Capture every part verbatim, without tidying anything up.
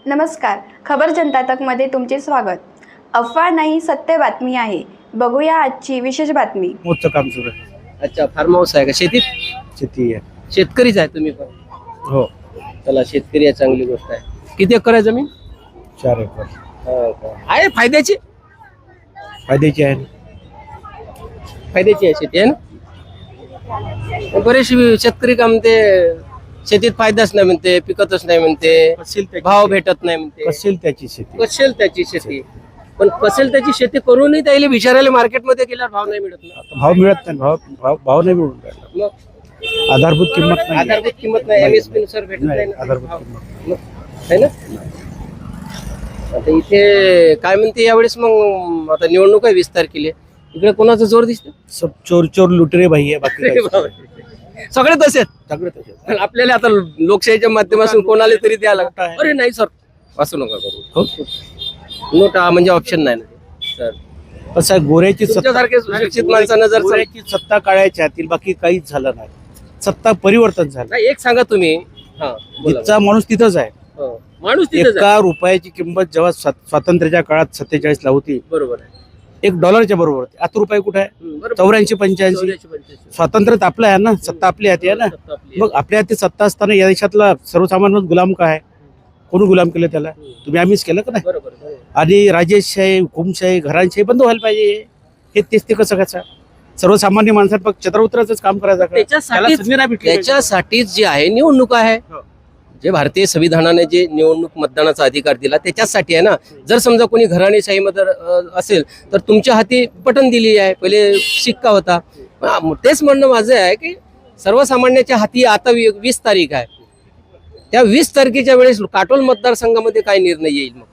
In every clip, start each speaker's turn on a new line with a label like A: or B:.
A: नमस्कार, खबर जनता तकमध्ये तुमचे स्वागत। अफवा नाही, सत्य बातमी आहे। बघूया आजची विशेष बातमी।
B: मोठं काम सुरू आहे।
C: अच्छा, फार्म हाऊस आहे का? शेतीत
B: शेती आहे।
C: शेतकरीच आहे तुम्ही पण?
B: हो,
C: चला, शेतकरी आहे, चांगली गोष्ट आहे। किती एकर आहे जमीन?
B: चार एकर
C: हो का? आहे फायद्याची?
B: फायद्याची आहे।
C: फायद्याची आहे शेती आहे ना? बरेचसे शेतकरी का म्हणते शेतीत फायदाच नाही म्हणते, पिकतच नाही म्हणते,
B: कसेल त्याची
C: भाव भेटत नाही म्हणते।
B: कसेल त्याची शेती
C: कसेल त्याची शेती, पण कसेल त्याची शेती करूनही त्याला विचारायला मार्केटमध्ये गेल्यावर भाव नाही मिळत ना।
B: आता भाव मिळत नाही, भाव भाव भाव नाही मिळून राहिला।
C: मग
B: आधारभूत किंमत नाही,
C: आधारभूत किंमत नाही, एमएसपी नुसार भेटत नाही
B: नाही,
C: ना
B: आधारभूत
C: भाव.
B: किंमत
C: मग, है ना? आता इथे काय म्हणते यावेळेस, मग आता निवडणूक आहे वीस तारखेला, इकडे कोणाचा जोर दिसतो?
B: सब चोर चोर लुटरे भाई आहे, बाकी काहीच नाही.
C: सगळे तसेच.
B: सगळे तसेच.
C: पण आपल्याला आता लोकशाहीच्या माध्यमातून कोणाला तरी द्यायला
B: नोटा आहे.
C: अरे नाही सर, असं नका करू।
B: हो?
C: नोटा म्हणजे ऑप्शन नाही ना सर।
B: कसं आहे, गोऱ्याची सत्ता
C: तुमच्यासारखे सुशिक्षित माणसानं जर
B: गोऱ्याची सत्ता काढायच्या हातील, बाकी काहीच झालं नाही। सत्ता परिवर्तन झालं।
C: नाही, एक सांगा तुम्ही, हा बोला.
B: तिथचा माणूस तिथंच आहे।
C: हो. माणूस तिथेच आहे.
B: एका रुपयाची किंमत जेव्हा स्वात- स्वातंत्र्याच्या काळात सत्तेचाळीस ला होती,
C: बरोबर आहे।
B: एक डॉलरच्या बरोबर होती। आता रुपये कुठे आहे?
C: हम्म, बरोबर.
B: चौऱ्याऐंशी पंच्याऐंशी
C: चौऱ्याऐंशी, पंच्याऐंशी.
B: स्वातंत्र्य तर आपलं आहे ना, सत्ता आपली हाती आहे ना।
C: सत्ता आपली आहे.
B: मग आपल्या हाती सत्ता असताना या देशातला सर्वसामान्य गुलाम काय आहे? कोणी गुलाम केलं त्याला? तुम्ही आम्हीच केलं का नाही?
C: बरोबर बरोबर.
B: आणि राजेशशाही, हुकुमशाही, घरांशाही बंद व्हायला पाहिजे। हे तेच ते कसं कसं सर्वसामान्य माणसात फक्त छत्र उतरायचंच काम करायचं का? त्याला
C: त्याच्यासाठीच
B: संधी नाही भेटली.
C: त्याच्यासाठीच जे आहे निवडणूक आहे,
B: हो.
C: जे भारतीय संविधानाने जे निवडणूक मतदानाचा अधिकार दिला त्याच्यासाठी आहे ना। जर समजा कोणी घराणेशाहीमध्ये अ, असेल तर तुमच्या हाती बटन दिली आहे, पहिले शिक्का होता। हा, मग तेच म्हणणं माझं आहे की सर्वसामान्याच्या हाती आता वी- वीस तारीख आहे, त्या वीस तारखेच्या वेळेस काटोल मतदारसंघामध्ये काय निर्णय येईल? मग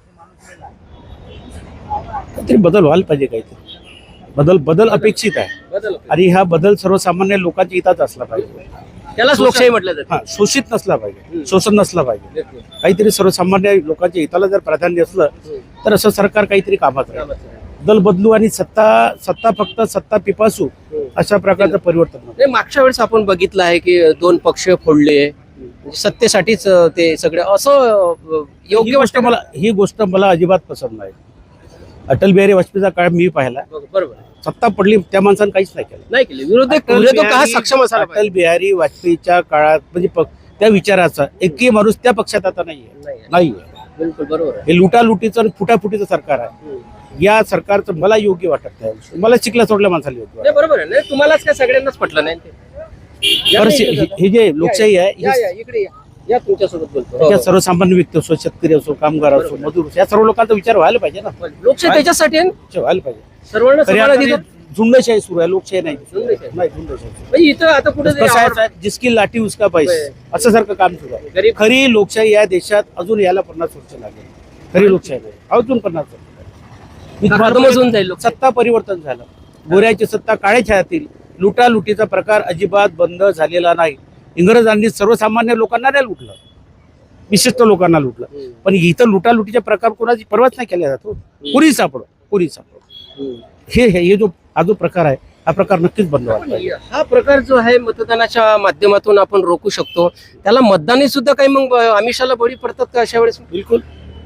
B: काहीतरी बदल व्हायला पाहिजे, काहीतरी बदल बदल अपेक्षित आहे।
C: बदल
B: आणि हा बदल सर्वसामान्य लोकांच्या हिताच असला पाहिजे।
C: त्यालाच लोकशाही म्हटलं
B: हा, शोषित नसला पाहिजे,
C: हम्म.
B: शोषण नसला पाहिजे।
C: जातं।
B: काहीतरी सर्वसामान्य लोकांच्या हिताला जर प्राधान्य असलं तर असं सरकार काहीतरी कामात राहील। दल बदलू आणि सत्ता सत्ता फक्त सत्ता पिपासू अशा प्रकारचं परिवर्तन नको।
C: नाही, मागच्या वेळेस आपण बघितलं आहे की दोन पक्ष फोडले, म्हणजे सत्तेसाठीच ते सगळे असं अ,
B: ही
C: योग्य
B: गोष्ट
C: वाटतं
B: मला ही गोष्ट मला अजिबात पसंत नाही। अटल बिहारी वाजपेयीचा काळ मी पाहिला,
C: बरोबर आहे.
B: सत्ता पडली त्या माणसानं काहीच नाही केलं।
C: नाही केले विरोधक
B: अटल
C: विरोधक हा
B: बिहारी-
C: सक्षम असायला
B: अटल बिहारी वाजपेयीच्या काळात म्हणजे प- त्या विचाराचा एकही माणूस त्या पक्षात आता नाहीये
C: पाहिजे.
B: नाहीये
C: बिलकुल बरोबर आहे.
B: हे लुटालुटीचं आणि फुटाफुटीचं सरकार आहे। या सरकारचं मला योग्य वाटत नाही। मला शिकला सोडल्या माणसाला योग्य वाटतं।
C: नाही, बरोबर आहे. नाही, तुम्हालाच काय सगळ्यांनाच पटलं नाही ते. या
B: बरं,
C: ना
B: शे-
C: इकडे
B: हे
C: जाता.
B: हे जे लोकशाही आहे
C: या,
B: ही
C: या, इकडे या. या तुमच्यासोबत बोलतो. हो,
B: त्याच्यात
C: हो.
B: सर्वसामान्य व्यक्ती असो, शेतकरी असो, कामगार असो, मजूर असो, या सर्व लोकांचा विचार व्हायला पाहिजे ना।
C: लोकशाही त्याच्यासाठी आहे ना.
B: विचार व्हायला पाहिजे।
C: सर्वांना
B: खऱ्या
C: समान
B: अर्थाने
C: अधिकार.
B: झुंडशाही सुरू आहे, लोकशाही नाही
C: झुंडशाही.
B: नाही झुंडशाही सुरू आहे।
C: म्हणजे इथं आता कुठे
B: कसं आहे साहेब, जिसकी लाठी उसका पैसा असं सारखं काम सुरू आहे।
C: गरीब
B: खरी लोकशाही या देशात अजून यायला पन्नास वर्ष लागेल। खरी लोकशाही नाही, अजून पन्नास वर्ष लागेल। मी तुम्हाला
C: खतमच होऊन जाईल लोकशाही.
B: सत्ता परिवर्तन झालं, गोऱ्याची सत्ता काळ्याच्या हातील, लुटालुटीचा प्रकार अजिबात बंद झालेला नाही। इंग्रजांनी सर्वसामान्य लोकांना नाही लुटलं, विशिष्ट लोकांना लुटलं,
C: हम्म.
B: पण इथं लुटालुटीचे प्रकार कोणाची परवाच नाही केला जातो। पुरी सापडो पुरी सापडो
C: हम्म.
B: हे हे हे जो हा जो प्रकार आहे, हा प्रकार नक्कीच बंद व्हायला पाहिजे।
C: हा प्रकार जो आहे मतदानाच्या माध्यमातून आपण रोखू शकतो। त्याला मतदानी सुद्धा काही मग आमिषाला बळी पडतात का अशा वेळेस?
B: बिलकुल,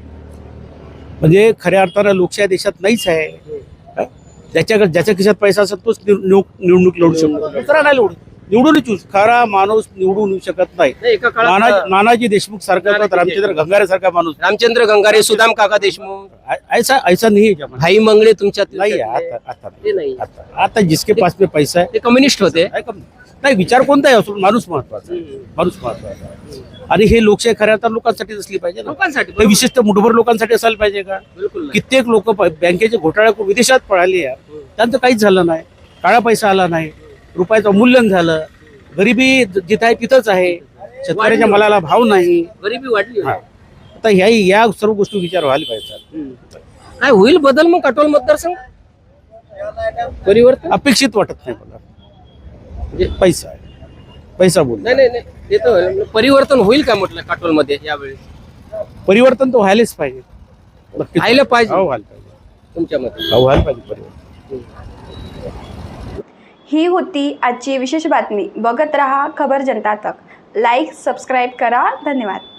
B: म्हणजे खऱ्या अर्थानं लोकशाही देशात नाहीच आहे। हा? ज्याच्या ज्याच्या खिशात पैसा असेल तोच निव- निव- निवडणूक लढू शकतो, दुसरा नाही लढू निवडून येऊ खरा माणूस निवडून येऊ शकत नाही।
C: नाही, एका
B: नाना
C: काळात
B: नानाजी देशमुख सारखा
C: नानाजी
B: रामचंद्र गंगारे सारखा माणूस
C: रामचंद्र गंगारे, सुदाम काका देशमुख,
B: ऐ- ऐसा ऐसा नहीं है जमाना।
C: भाई मंगळे तुमच्यात
B: नहीं है, आता आता
C: ते
B: नाही
C: नाही.
B: आता आता जिसके पास में पैसा है
C: ते कम्युनिस्ट होते.
B: आहे का? नाही, विचार कोणताही असो, माणूस महत्वाचा आहे। माणूस महत्वाचा आहे। आणि हे लोकशाही खऱ्या अर्थानं लोकांसाठीच असली पाहिजे ना।
C: लोकांसाठी
B: हे विशिष्ट मुठभर लोकांसाठी असायला पाहिजे का?
C: बिलकुल नाही.
B: कित्येक लोक बँकेचे घोटाळे करून विदेशात पळाले आहे, त्यांचं काहीच झालं नाही, काळा पैसा आला नाही, रुपयाचं मूल्यन झालं, गरिबी जिथं आहे तिथंच आहे, शेतकऱ्याच्या मालाला भाव नाही।
C: गरिबी वाढली.
B: हा. आता ह्या या सर्व गोष्टी विचार व्हायला पाहिजे।
C: हम्म. काय होईल बदल मग काटोल मतदारसंघ? परिवर्तन
B: अपेक्षित वाटत नाही मला,
C: म्हणजे-
B: पैसा आहे, पैसा बोल
C: नाही नाही नाही, ते तर होईल. परिवर्तन होईल का म्हटलं काटोल मध्ये यावेळेस?
B: परिवर्तन तर व्हायलाच पाहिजे, नक्कीच
C: व्हायला पाहिजे.
B: हो, व्हायला पाहिजे,
C: तुमच्या मते?
B: हो, व्हायला पाहिजे परिवर्तन।
A: ही होती आजची विशेष बातमी। बघत रहा खबर जनता तक। लाईक सबस्क्राईब करा। धन्यवाद।